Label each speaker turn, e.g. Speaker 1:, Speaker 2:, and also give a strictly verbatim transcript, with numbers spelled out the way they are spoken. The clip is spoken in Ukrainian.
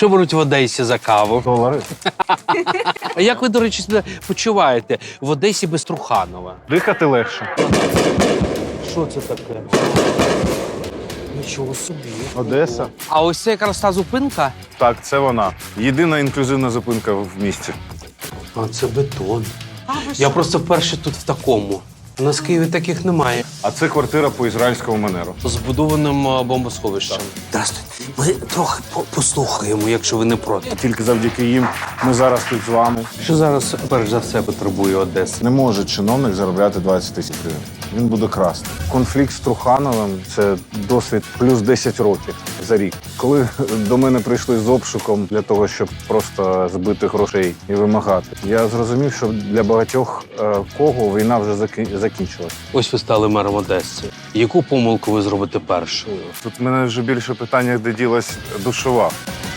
Speaker 1: Що беруть в Одесі за каву?
Speaker 2: Долари.
Speaker 1: А як ви, до речі, себе почуваєте в Одесі без Труханова?
Speaker 2: Дихати легше.
Speaker 1: Що це таке? Нічого собі.
Speaker 2: Одеса.
Speaker 1: А ось це якраз та зупинка?
Speaker 2: Так, це вона. Єдина інклюзивна зупинка в місті.
Speaker 1: А це бетон. Я просто вперше тут в такому. У нас в Києві таких немає.
Speaker 2: А це квартира по ізраїльському манеру.
Speaker 1: Збудованим а, бомбосховищем. Здравствуйте. Ми трохи по- послухаємо, якщо ви не проти.
Speaker 2: Тільки завдяки їм ми зараз тут з вами.
Speaker 1: Що зараз, перш за все, потребує Одеса?
Speaker 2: Не може чиновник заробляти двадцять тисяч гривень. Він буде красти. Конфлікт з Трухановим – це досвід плюс десять років за рік. Коли до мене прийшли з обшуком для того, щоб просто збити грошей і вимагати, я зрозумів, що для багатьох е, кого війна вже заки- закінчилась.
Speaker 1: Ось ви стали мером Одеси. Яку помилку ви зробите першою?
Speaker 2: Тут в мене вже більше питання, де ділась душова.